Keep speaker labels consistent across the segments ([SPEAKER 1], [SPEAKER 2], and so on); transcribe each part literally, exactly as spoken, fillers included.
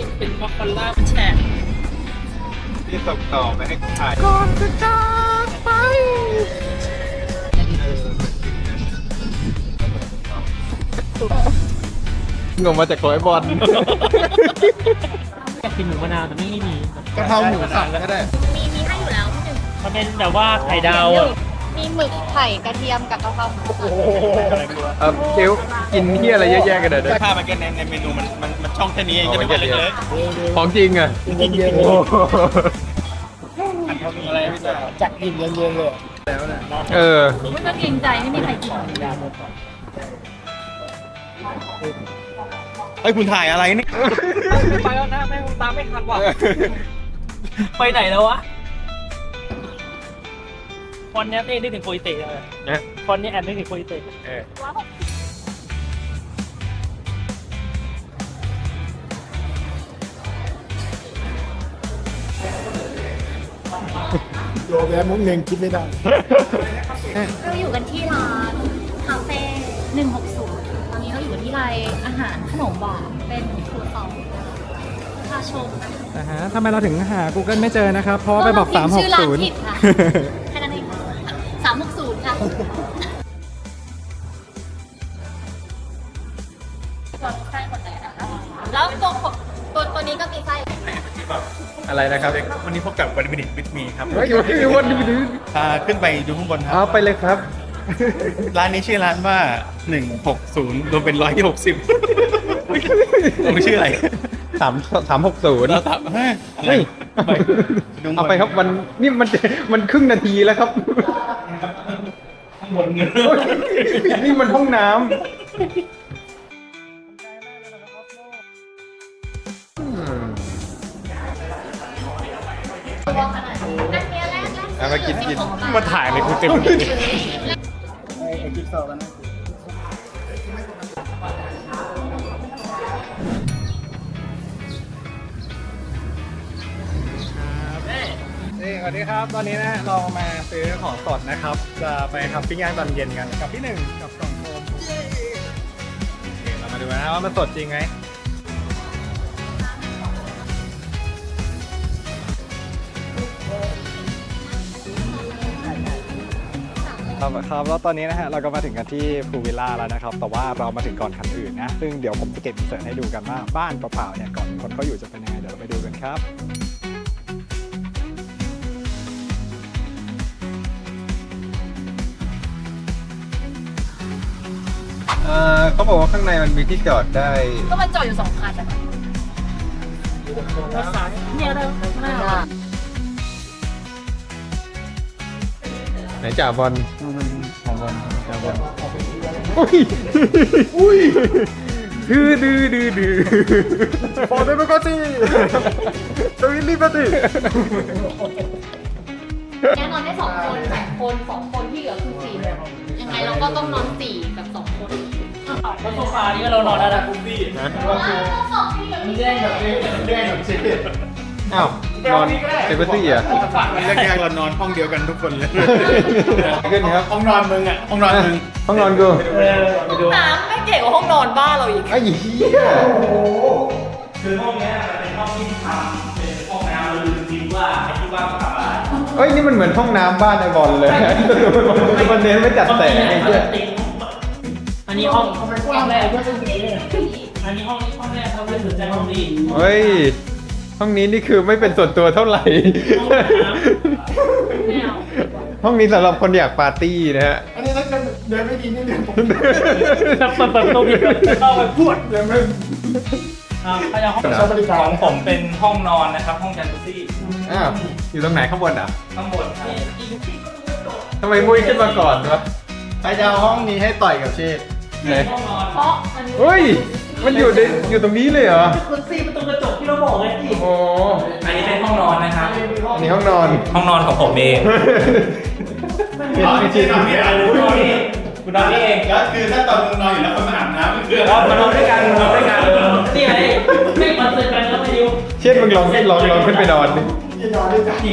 [SPEAKER 1] เป็นมอคคอลล่ามันแฉะ
[SPEAKER 2] ที่ส่งต่อไปให้ใคร
[SPEAKER 1] ก่อนจะจากไป
[SPEAKER 2] งงมาจากร้อยบอล
[SPEAKER 1] อยากกินหมูมะนาวแต่ไม่มี
[SPEAKER 2] กะเพราหมูสับก็ได้
[SPEAKER 3] มีมีให้อยู่แล้วพี่หนึ่ง
[SPEAKER 1] มันเป็นแบบว่าไข่ดาวอ่ะ
[SPEAKER 3] มีหมึกไข่กระเทียมกับกะเพราหมูสับ
[SPEAKER 2] เออเกี๊ยวกินเที่ยอะไรเยอะแยะกันเด้อ
[SPEAKER 4] ภาพมันแค่ในในเมนูมันมันมันช่องแค่นี้เองจะไม่เล็ก
[SPEAKER 2] ๆของจริงอ่ะ
[SPEAKER 4] อะไรพี่จ๋า
[SPEAKER 1] จัดกินเยอะๆเลย
[SPEAKER 2] เออ
[SPEAKER 3] ไม่ต้องเกรงใจไม่มีใครกิน
[SPEAKER 4] เฮ้ยคุณถ่ายอะไรนี่
[SPEAKER 1] ไปแล้วนะแม่งตามไม่ทันว่ะไปไหนแล้ววะฟอนต์เนี้ยนึกถึงโคอิเตะเลยนะฟอนต์เนี้ยแอบนึกถึงโคอิเตะเออ
[SPEAKER 5] โยแกมุ้งเงงคิดไม่ได้
[SPEAKER 3] เราอยู่กันที่ร้านคาเฟ่หนึ่งหกศูนย์ตอนนี้เราอยู่ที่ร้านอาหารขนมหวานเป็นครัวซองพาชม
[SPEAKER 5] อ่าฮะทำไมเราถึงหา Google ไม่เจอนะครับ เพราะว่าไปบอกสามหกศูนย์
[SPEAKER 3] แค่นั้นเองสามหกศูนย์ค่ะไส้หมดเลยนะคะแล้วตัวตัวตัวนี้ก็มีไส้
[SPEAKER 2] อะไรนะครับ
[SPEAKER 4] วันนี้พบกับวันบินิตวิทมีครับ
[SPEAKER 2] เฮ้ยวันนี้วันนี้
[SPEAKER 4] พาขึ้นไปดูข้างบนครั
[SPEAKER 2] เอาไปเลยครับ
[SPEAKER 4] ร้านนี้ชื่อร้านว่าหนึ่งหกศูนย์รวมเป็นร้อยที่หกสิบมันชื่ออะไร
[SPEAKER 2] สามสามหกศูนย์
[SPEAKER 4] เราถามเฮ้ย
[SPEAKER 2] เอาไปครับมันนี่มันมันครึ่งนาทีแล้วครับ
[SPEAKER 4] ข้างบนเงิน
[SPEAKER 2] นี่มันห้องน้ำเอามากินกิน
[SPEAKER 4] มาถ่ายในกูเต็มเลย
[SPEAKER 5] ไอ้จิ๊กซอว์กันนะนี่สวัสดีครับตอนนี้นะเรามาซื้อของสดนะครับจะไปทำปิ้งย่างตอนเย็นกันกับพี่หนึ่งกับกล่องโฟมเรามาดูนะว่ามันสดจริงไหมครับครับแล้วตอนนี้นะฮะเราก็มาถึงกันที่พูลวิลล่าแล้วนะครับแต่ว่าเรามาถึงก่อนคันอื่นนะซึ่งเดี๋ยวผมจะเก็บอินเสิร์ตให้ดูกันว่าบ้านเปล่าๆเนี่ยก่อนคนเขาอยู่จะเป็นยังไงเดี๋ยวเราไปดูกันครับ
[SPEAKER 2] เออเขาบอกว่าข้างในมันมีที่จอดได้
[SPEAKER 3] ก็มันจอดอยู่สองคันอะเนี่ยเราไม่เอา
[SPEAKER 2] ไหนจ่าบอล
[SPEAKER 5] ของบอลจ่าบอล
[SPEAKER 2] อุ้ยอุ้ยดื้อดื้อดื้อดื้อ
[SPEAKER 5] ฟอร์เดมกอซี่ตวิลลี่ปฏิ
[SPEAKER 3] แน่นอนได้สองคนสองคนสองคนที่เหลือคือสี่ยังไงเราก็ต้องนอนสี่กับสองคน
[SPEAKER 1] แล้วโซฟานี่ก็เรานอนได้แล้ว
[SPEAKER 2] นะ
[SPEAKER 3] มันแย่งแบบนี้แย่งแบบ
[SPEAKER 2] นี้อ้าวนอนเซเบอร์ตี้อ่ะ
[SPEAKER 4] แรกๆเรานอนห้องเดียวกันทุกคนเลย
[SPEAKER 2] ขึ้นครับ
[SPEAKER 4] ห้องนอนมึงอ่ะห้องนอนมึง
[SPEAKER 2] ห้องนอนกู
[SPEAKER 3] น้ำไม่เก๋กว่าห้องนอนบ้านเราอีก
[SPEAKER 2] ไอ้เหี้ย
[SPEAKER 1] คือห้องนี้เป็นห้องที่ทำเป็นห้องน้ำเราลืมจริงว่าไอ้ที่ว่าเขาทำอะไร
[SPEAKER 2] เฮ้ยนี่มันเหมือนห้องน้ำบ้านไอ้บอลเลยมันเน้นไม่จัดแต่งไอ้เหี้ย
[SPEAKER 1] อันนี้ห้องห้องแรกอันนี้ห้องนี้ห้องแรกเขาไม่สนใจห้องนี้
[SPEAKER 2] เฮ้ยห้องนี้นี่คือไม่เป็นส่วนตัวเท่าไหร่ห้องนี้สำหรับคนอยากปาร์ตี้นะฮะ
[SPEAKER 5] อันนี้ถ้าเดินไม่ดีนี่เดินผม
[SPEAKER 1] ถ้าเปิดประตูผิดเข้าไปพูด
[SPEAKER 5] เดินไม่
[SPEAKER 1] ถ้าจะห้องใช้บริการผมเป็นห้องนอนนะครับห้องจันทร์ซี่
[SPEAKER 2] อ้าวอยู่ตรงไหนข้างบนอ่ะ
[SPEAKER 1] ข้างบน
[SPEAKER 2] ทำไมมุ้ยขึ้นมาก่อนวะ
[SPEAKER 4] ใครจะเอาห้องนี้ให้ต่อยกับเชฟ
[SPEAKER 2] ไหน
[SPEAKER 3] เพราะ
[SPEAKER 2] เฮ้ยมันอยู่ในอยู่ตรงนี้เลยเหรอ
[SPEAKER 1] คุณซีประตูกระจกที่เราบอกไงสิ
[SPEAKER 2] โอ้
[SPEAKER 1] อันนี้เป็นห้องนอนนะครับ
[SPEAKER 2] อันนี้ห้องนอน
[SPEAKER 1] ห้องนอนของผมเอง
[SPEAKER 4] ไม่ใช่นอนที่ไหนรู้นอนนี่
[SPEAKER 1] กูนอนนี่เอง
[SPEAKER 4] ก็คือถ้าตอนมึงนอนอยู่แล้วคนมาอาบน้ำคือ
[SPEAKER 1] เรามานอนด้วยกันนอนด้วยกันนี่ไงไม่มาเจอกันแล้วมาอยู่
[SPEAKER 2] เช่นมึงลองลองลองขึ้นไปนอนดิ
[SPEAKER 5] นอนด้วยกัน
[SPEAKER 1] จริง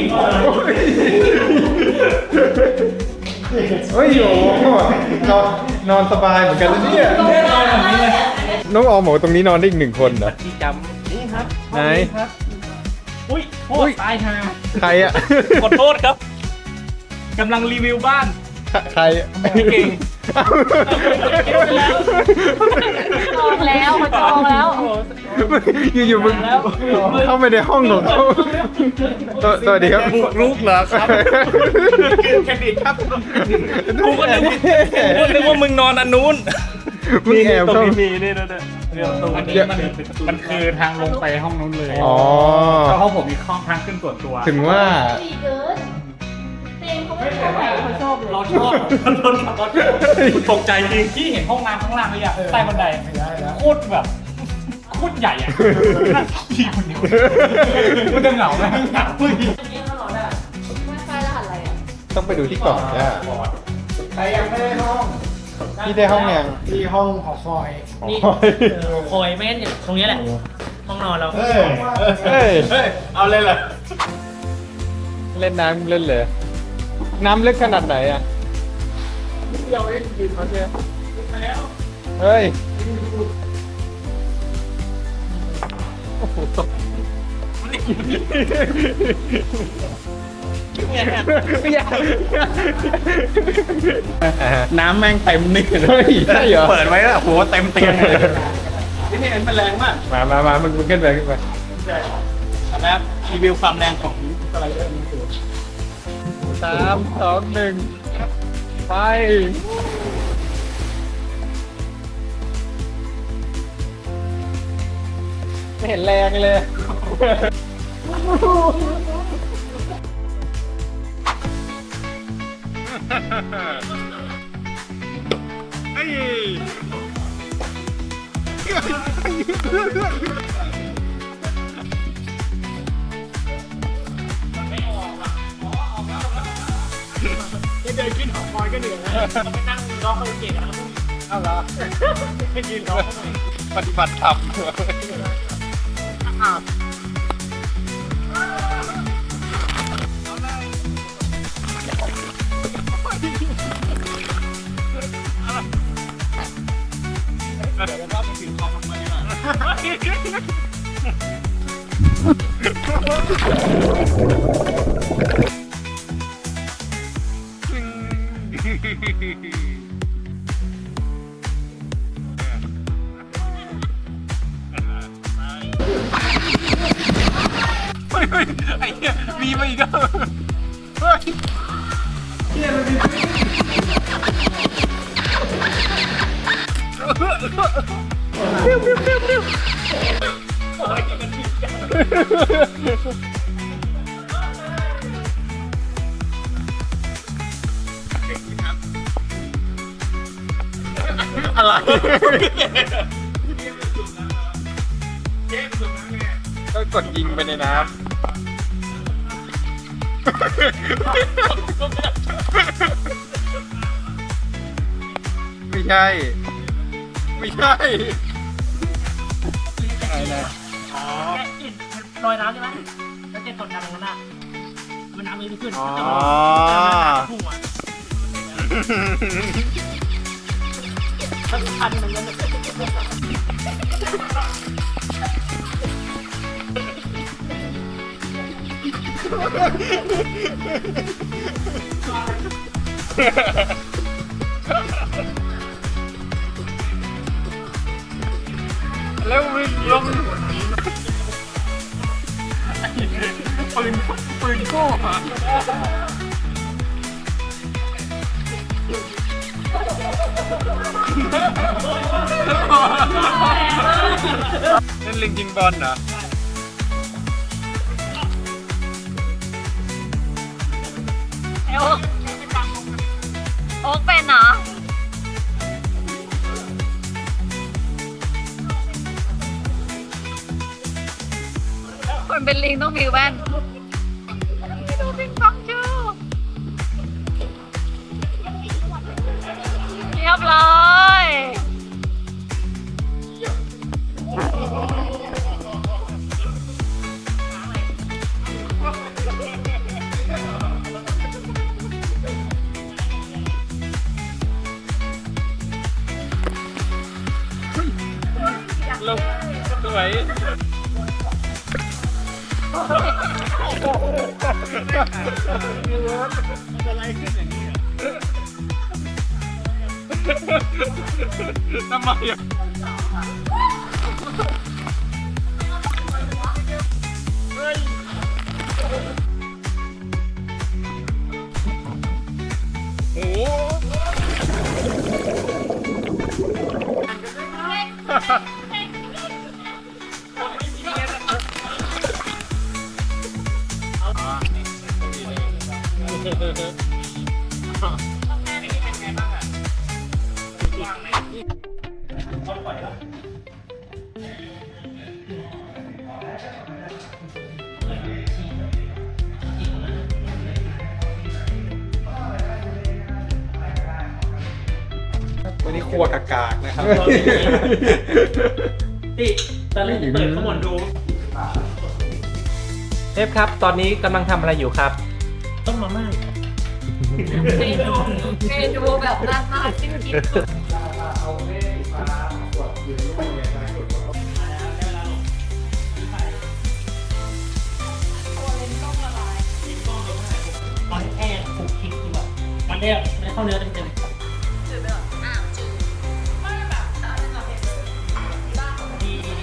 [SPEAKER 2] เฮ้ยโอ้นอนนอนสบายเหมือนกันนะเนี่ยน้องออมบอกตรงนี้นอนได้อีกหนึ่งคนเหรอ
[SPEAKER 1] ที่จำ
[SPEAKER 5] นี่ฮะ
[SPEAKER 1] ครับ
[SPEAKER 2] ไหน
[SPEAKER 1] ครับ อุ้ยโท
[SPEAKER 2] อุ๊
[SPEAKER 1] ษ
[SPEAKER 2] ย
[SPEAKER 1] ตายฮะ
[SPEAKER 2] ใครอ่ะ
[SPEAKER 1] ขอโทษครับกำลังรีวิวบ้าน
[SPEAKER 2] ใครอะ
[SPEAKER 1] พี่เก่ง
[SPEAKER 3] จองแล้วเขาจองแล้ว
[SPEAKER 2] อยู่ๆมึงเข้าไปในห้องของเขาสวสวัสดีครับ
[SPEAKER 4] บุกรุกเหรอครับ
[SPEAKER 1] แค่นี้ครับกูก็นึกว่ากูก็นึกว่ามึงนอนอันนู้น
[SPEAKER 2] มึงแอบ
[SPEAKER 1] ตร
[SPEAKER 2] เข้าง
[SPEAKER 1] นี้มีนี่นะเนี่ยเรียกตรง
[SPEAKER 5] อัน
[SPEAKER 1] นี้
[SPEAKER 5] นี้มันมันคือทางลงไปห้องนู้นเลย
[SPEAKER 2] อ๋อ
[SPEAKER 5] เพราะห้องผมมีห้องทางขึ้นส่วนตัว
[SPEAKER 2] ถึงว่า
[SPEAKER 3] ดีเกินเต็มเขาไม่ชอบไหนเขาชอบเลย
[SPEAKER 1] เราชอบเราชอบเราชอบตกใจจริงที่เห็นห้องน้ำข้างล่างเลยอะใต้บันไดโคตรแบบโคตรใหญ่อะนั่งพี่คนเดียวมันจะเหงาไหมเหงาเฮ้ย
[SPEAKER 3] ใช่รหัสอะไรอ่ะ
[SPEAKER 2] ต้องไปดูที่กล่องจ้า
[SPEAKER 5] ใครยังไม่ได้ห้อง
[SPEAKER 2] พี่ได้ห้องยัง
[SPEAKER 5] ที่ห้องหอคอย
[SPEAKER 6] นี่เออคอยไม่งั้นอย่างตรงนี้แหละ ห้องนอนเรา
[SPEAKER 5] เฮ้ย
[SPEAKER 2] เฮ้ย
[SPEAKER 5] เฮ้ย เอาเลยเหรอ
[SPEAKER 2] เล่นน้ำเล่นเลย น้ำลึกขนาดไหนอ่ะ
[SPEAKER 5] เดี๋ยวเองยืนมาเนี่ย
[SPEAKER 2] เฮ้ย
[SPEAKER 4] น้ำแม่งเต็มนี่
[SPEAKER 2] เฮ้ยใช่เหรอ
[SPEAKER 4] เปิดไว้แล้วโหเต็มเตียงเลยที่นี่มันแรงมาก
[SPEAKER 2] มามามามึงมึงขึ้นไปขึ้นไป
[SPEAKER 4] นะครับรีวิวความแรงของสไลเดอร์นี้คือ
[SPEAKER 2] สามสองหนึ่งไป ไม่เห็นแรงเลย
[SPEAKER 5] เดินขึ้นหอคอยก็เหนื่อยแล้ว
[SPEAKER 6] เราไปนั่งร้องคาราโอเกะกันแล้วก็
[SPEAKER 5] เอาเหรอไม่ยืนร้อง
[SPEAKER 4] ปฏิบัติธรรม เฮ้ยเฮ้ยไอ้เหี้ยมีมาอีกแล้วเฮ้ยอะไร
[SPEAKER 2] ก็กดยิงไปในน้ำ ไม่ใช่ ไม่ใช่ อะไรนะ
[SPEAKER 6] อ๋อแกะกลิ่นลอยน้ำใช่ไหมแล้วแกกดดันตรงนั้นอ่ะมันน้ำมันไม่ขึ้น
[SPEAKER 2] อ๋อ
[SPEAKER 6] พุ่งอ่ะมันพันมันก็
[SPEAKER 4] แล้ววิ่งลงปืนปืนโก้อะเล่นลิงยิงบอลเหรอ
[SPEAKER 3] โอ๊กโอ๊กเป็นเหรอคนเป็นลิงต้องมีแว่นดูปิงปองจูเรียบร้อย
[SPEAKER 4] ลงสวยอะไรขึ้นอย่างนี้อ่ะทำไมอ่ะโอ้โห
[SPEAKER 5] วันนี้ครัวกากากๆนะครับ
[SPEAKER 6] ติตอนแรกเปิดข้างบนดูเชฟครับ ตอนนี้กำลังทำอะไรอยู่ครับ ต้องมาม่า
[SPEAKER 3] เมนูเมนูแบบน่าทานจริงๆ
[SPEAKER 6] ตอนแรกคลุกคลิกคือแบบมันเนี่ยไม่ได้เข้าเนื้อเต็ม
[SPEAKER 3] จืดไปหรออ้าวจืดไม่แบบถ้าอะไรมาเผ็ดเลยบ้า
[SPEAKER 6] ๆดีดีดี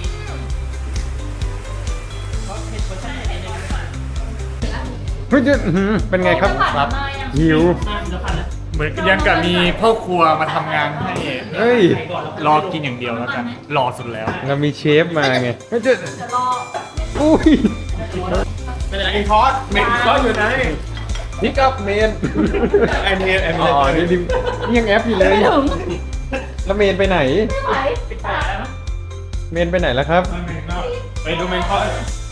[SPEAKER 6] เพราะเผ็ดเวอร์ชันไหนเนี่ย
[SPEAKER 2] เฮ้ยจะอื้อหือเป็นไงครับ
[SPEAKER 3] ครับ
[SPEAKER 2] หิว
[SPEAKER 6] น่าจะพันแล้ว
[SPEAKER 5] เหมือนยังกับมีพ่อครัวมาทำงานให้
[SPEAKER 2] เฮ้ย
[SPEAKER 5] รอกินอย่างเดียวแล้วกัน รอสุดแล้ว
[SPEAKER 2] เรามีเชฟมาไงเฮ้ยจะ
[SPEAKER 3] จะรอ
[SPEAKER 2] อุ้ย
[SPEAKER 6] ไม่เป็นไร
[SPEAKER 5] เมนคอร์สเมนคอร์สอยู่ไหน
[SPEAKER 2] พิกอัพเมน
[SPEAKER 5] ไอเมนไอเม
[SPEAKER 2] อ๋อน นี่ดินี่ยังแอปอยู่เลย
[SPEAKER 3] ไม่ถึง
[SPEAKER 2] แล้วเมนไปไหน
[SPEAKER 3] ไม่ไหว
[SPEAKER 6] ปิดตาแล้วนะ
[SPEAKER 2] เมนไปไหนแล้วครับ
[SPEAKER 5] ไปดูเมนคอร์ส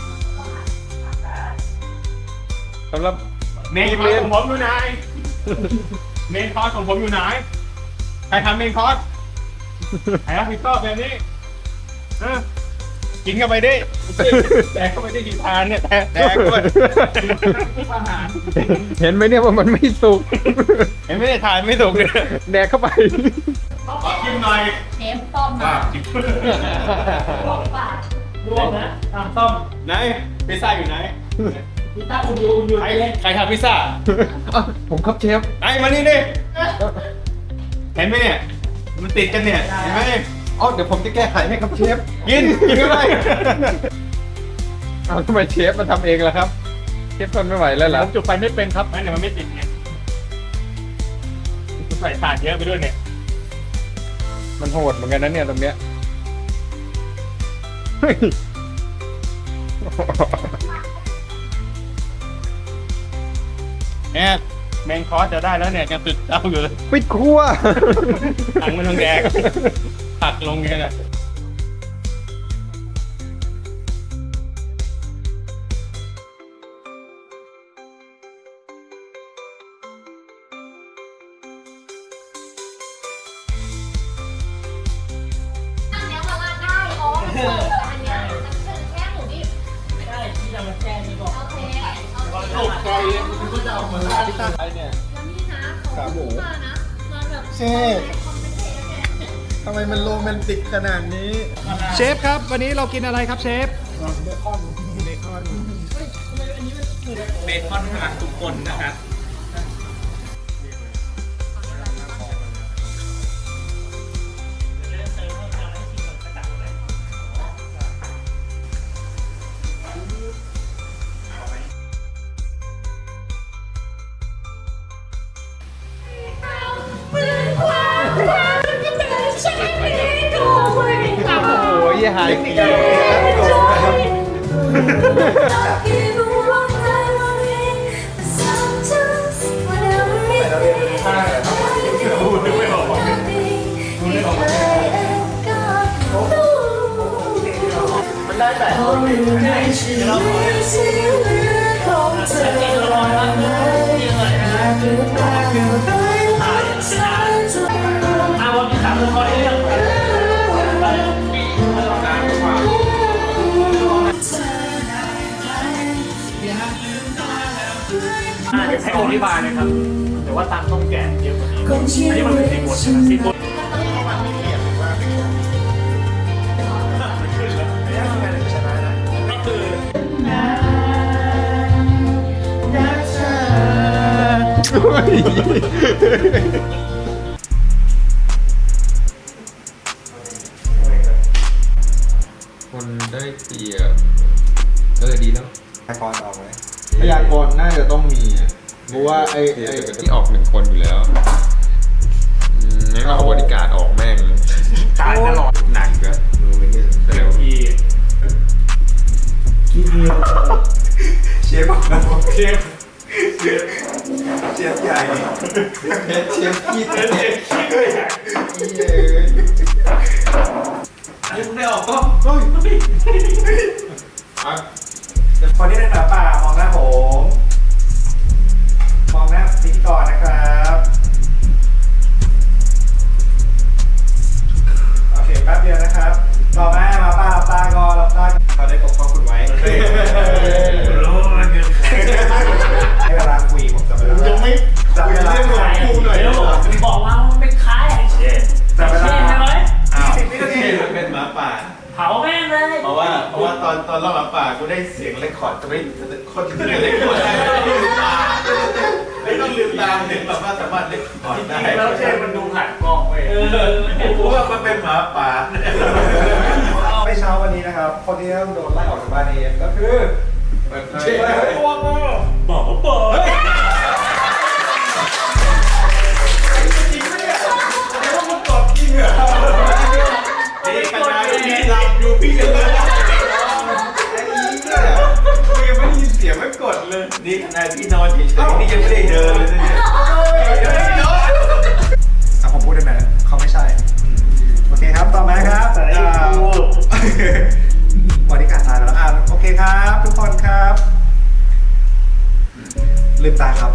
[SPEAKER 2] สำหรับ
[SPEAKER 5] เมนคอร์สของผมอยู่ไหนเมนคอร์สของผมอยู่ไหนใครทำเมนคอร์สใครรับผิดชอบแบบนี้เออกินเข้าไปดิแดกเข้าไปได้กี่ทานเนี่ยแดกแดกด้วยอาหาร
[SPEAKER 2] เห็นไหมเนี่ยว่ามันไม่สุก
[SPEAKER 5] เห็นไม่ได้ทานไม่ถูกเลย
[SPEAKER 2] แดกเข้าไป
[SPEAKER 5] ขอชิมหน่อย
[SPEAKER 3] เชฟต้ม
[SPEAKER 5] อ่ะ
[SPEAKER 3] มา
[SPEAKER 5] ชิม
[SPEAKER 3] ลวกปาก
[SPEAKER 6] รวมนะตามต้ม
[SPEAKER 5] ไหนพิซซ่าอยู่ไหน
[SPEAKER 6] พิซซ่าอุ่นอยู่อุ่นอยู่
[SPEAKER 5] ใครใครทำพิซซ่า
[SPEAKER 2] อ่ะผมครับเชฟ
[SPEAKER 5] ไอ้มานี่ดิเห็นไหมเนี่ยมันติดกันเนี่ยเห็นไหม
[SPEAKER 2] อ๋อเดี๋ยวผมจะแก้ไขให้ครับเชฟ
[SPEAKER 5] กินกินเข้าไป
[SPEAKER 2] เอาทำไมเชฟมาทำเองล่ะครับ เชฟทนไม่ไหวแล้วเหรอ
[SPEAKER 5] ผมจุดไฟไม่เป็นครับไม่เนี่ยมันไม่ติดไงใส่ถ่านเยอะไปด้วยเนี่ย
[SPEAKER 2] มันโหดเหมือนกันนะเนี่ยตรงเนี้ยเฮ้ย
[SPEAKER 5] เนี่ยเมนคอร์สจะได้แล้วเนี่ยยังติดเต้าอยู่เลย
[SPEAKER 2] ปิดครัว
[SPEAKER 5] ถังมันลงแดงผักลงเนี่ยนะ
[SPEAKER 3] อันเนี้ยมาลาดได้อ๋อมันเสิร์ฟแต่อันเนี้ยมันเสิร์ฟแค่หมูดิบ
[SPEAKER 6] ไม่ได้ที่เรามาแช่นี่ก่อน
[SPEAKER 3] โอเคโอเค
[SPEAKER 5] ตกใจเลยคุณก็จะเอามาลาดที่ตั้งไว้เนี่ย
[SPEAKER 3] แล้วนี่นะเขาพูดมานะมาแบบ
[SPEAKER 5] เชฟ
[SPEAKER 3] คอมเมนต์เนี่ย
[SPEAKER 5] ทำไมมันโรแมนติกขนาดนี้ เชฟครับ วันนี้เรากินอะไรครับเชฟ เบคอนเบคอนเบคอนหักทุกคนนะครับ
[SPEAKER 2] โอ้ยหายเกลียวนะครับ
[SPEAKER 5] มันได้แต่
[SPEAKER 6] เราลองนะนี่เลยเอาวันที่สามคนเรื่องอ่าเดี๋ยวให้อธิบายเลยครับแต่ว่าตามต้องแกะเยอะกว่านี้อันนี้มันเป็นซีฟู้ดใช่ไหมซีฟู้ดก็คือ
[SPEAKER 2] คนได้เปรียบเออดีแล้ว
[SPEAKER 4] พยากรณ์ออกไหม
[SPEAKER 2] พยากรณ์น่าจะต้องมีอ่ะเพราะว่าไอ้ไอ้ที่ออกหนึ่งคนอยู่แล้วอืมงั้นก็เอาบริการออกแม่ง
[SPEAKER 5] ตายตลอด
[SPEAKER 2] หนักอะเร็ว
[SPEAKER 5] ที่
[SPEAKER 4] เชฟบอกนะ
[SPEAKER 5] เชฟ
[SPEAKER 4] เชฟใหญ่
[SPEAKER 2] เชฟเชฟขี้
[SPEAKER 5] เช
[SPEAKER 2] เตะ
[SPEAKER 5] ฟคิดเลยอ่ะ
[SPEAKER 2] เย้ย
[SPEAKER 4] ไอ้มึงได้ออกก็เฮ้ย
[SPEAKER 2] อ่ะ
[SPEAKER 4] คนที่เป็นหมาป่ามองหน้าผมมองหน้าพิธีกรนะครับโอเคแป๊บเดียวนะครับต่อมาหมาป่าหลับตาก่อนหลับตาเขาได้ปกป้องคุณไว้รู้มันเงินให้เวลาคุยผมจะเวลายังไม่จับเวลา
[SPEAKER 6] กูหน่อยบอกว่ามันเป็นใคร
[SPEAKER 4] จับเวลา
[SPEAKER 6] เช่ใช่ไหม
[SPEAKER 4] ยี่สิบวินาที
[SPEAKER 7] เป็นหมาป่า
[SPEAKER 6] เผาแม่งเลย
[SPEAKER 7] เพราะว่าเพราะว่าตอนตอนรอบหมาป่ากูได้เสียงเรคคอร์ดจะไม่คนที่เล่นเรคคอร์ดได้ไม่ลืมตาไม่ต้องลืมตาเห็นแบบว่าสามารถเล่นคอร์ดได้
[SPEAKER 5] แล้วเชฟมันดูผ่านกล้องเว้ย
[SPEAKER 6] เออ
[SPEAKER 7] กูว่ามันเป็นหมาป่า
[SPEAKER 4] ไม่เช้าวันนี้นะครับ คนที่ต้องโดนไล่ออกจากบ้านเองก็คือ
[SPEAKER 7] เช่
[SPEAKER 5] บอกว่าเปิด
[SPEAKER 7] นี่ขนาดพี่หลับอยู่พี่ยังไม่ได้ไอ้อีเนี่ยกูยังไม่ได้ยินเสียงไม่กดเลย นี่ขนาดพี่นอนเฉยๆนี่ยังไม่ได้เดินเลยเนี่ย
[SPEAKER 4] อ่ะผมพูดได้ไหมเขาไม่ใช่ โอเคครับ ต่อมาครับอ่าบริการตายแล้วอ่ะโอเคครับ ทุกคนครับ ลืมตาครับ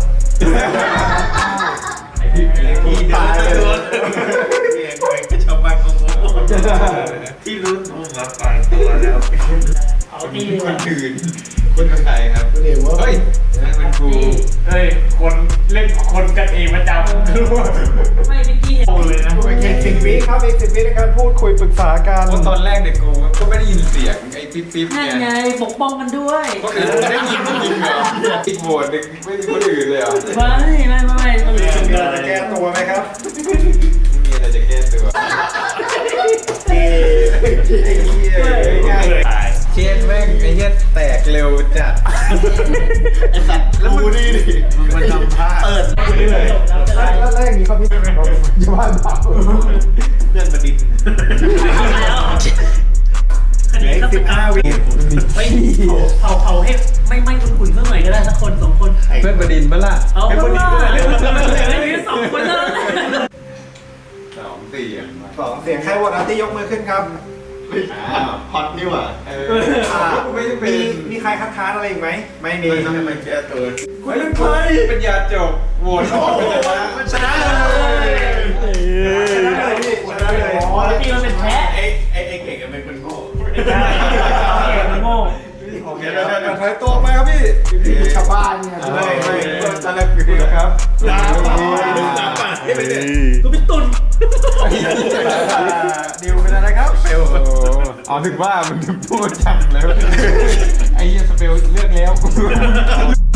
[SPEAKER 7] พี่ตายเลยเรียนไปก็ชาวบ้านงงๆที่รู้ตัวหมาป่าตัวแล้ว
[SPEAKER 6] เอาดี
[SPEAKER 2] คนอื่นคนไทยครับเฮ้ยนั่นเป็นครู
[SPEAKER 5] เฮ้ยคนเล่นคนกันเองประจำ
[SPEAKER 6] ไม่เป็นกี้
[SPEAKER 5] โอ้เลยนะ
[SPEAKER 4] อีกสิบวิครับอีกสิบวิในการพูดคุยปรึกษากัน
[SPEAKER 2] เพราะตอนแรกเนี่ยกูก็ไม่ได้ยินเสียงไอ้ปิ๊บปิ๊บ
[SPEAKER 6] นั่น
[SPEAKER 2] เนี่ย
[SPEAKER 6] ไงปกป้องกันด้วย
[SPEAKER 2] คนอื่นไม่ได้ยินจริงเหรออีกโหวตหนึ่งไม่มีคนอื่นเลยเหรอ
[SPEAKER 6] ไม่ไม่ไม่ไม่
[SPEAKER 4] มีอะไรจะแก้ตัวไหมครับ
[SPEAKER 2] ไม่มีอะไรจะแก้ตัว
[SPEAKER 4] เอ้ไอ้เหี้ยง่าย
[SPEAKER 5] ตาย
[SPEAKER 2] เช่นแม่งไอ้เหี้ยแตกเร็วจัด
[SPEAKER 7] ไอ้สัตว์แล้วมึงดีดิมันทำท่าเปิด
[SPEAKER 4] แล้วแล้วอย่างนี้เขาพี่เราอยู่บ้านเปล่า
[SPEAKER 7] เพื่อนประดิษฐ์
[SPEAKER 4] เหลืออีกสิบห้าวิ
[SPEAKER 6] เฮ้ยเผาเผาให้ไม่ไม่อุ่นๆสักหน่อยก็ได้สักคนสองคน
[SPEAKER 2] เพื่อนประดินปะล่ะ
[SPEAKER 6] เอาเพื่อนเลยสองคนแล้ว
[SPEAKER 2] สองเสียง
[SPEAKER 4] สองเสียงใครโหวตอาร์ตี้ยกมือขึ้นครับ
[SPEAKER 7] อ้าวพอดนี่หว่า
[SPEAKER 2] เออไม่ได้เป็
[SPEAKER 4] มี
[SPEAKER 2] น
[SPEAKER 4] มีใครคัดค้านอะไรอีกไหมไม่มี
[SPEAKER 7] ไม่ต้องให้มันแก้ตัว
[SPEAKER 2] ไม่เป็นใครเป็นยาจบโหวตออกไปเลยนะ
[SPEAKER 4] ชนะเลยชนะเลยพี่ชนะเลย
[SPEAKER 6] อ๋อที่มันเป็นแพ้
[SPEAKER 7] ไอ้ไอ้ไอ้เก่งอะเป็นคนโง่
[SPEAKER 6] โง่
[SPEAKER 4] โอเคเดี๋ยวเดี๋ยวถอยตัวไปครับพี่ชาวบ้านเนี่ย
[SPEAKER 7] ไม่ไม่
[SPEAKER 4] ตอนแรกคือครับ
[SPEAKER 7] ลาป่าลาป่าไม่ได้
[SPEAKER 6] กูเป็นตุ่น
[SPEAKER 4] ดิวเป็นอะไรครับเฟล
[SPEAKER 2] อ๋อถึงว่ามันถึงพูดจังแล้วไอ้เหี้ยสเปลเลือกแล้ว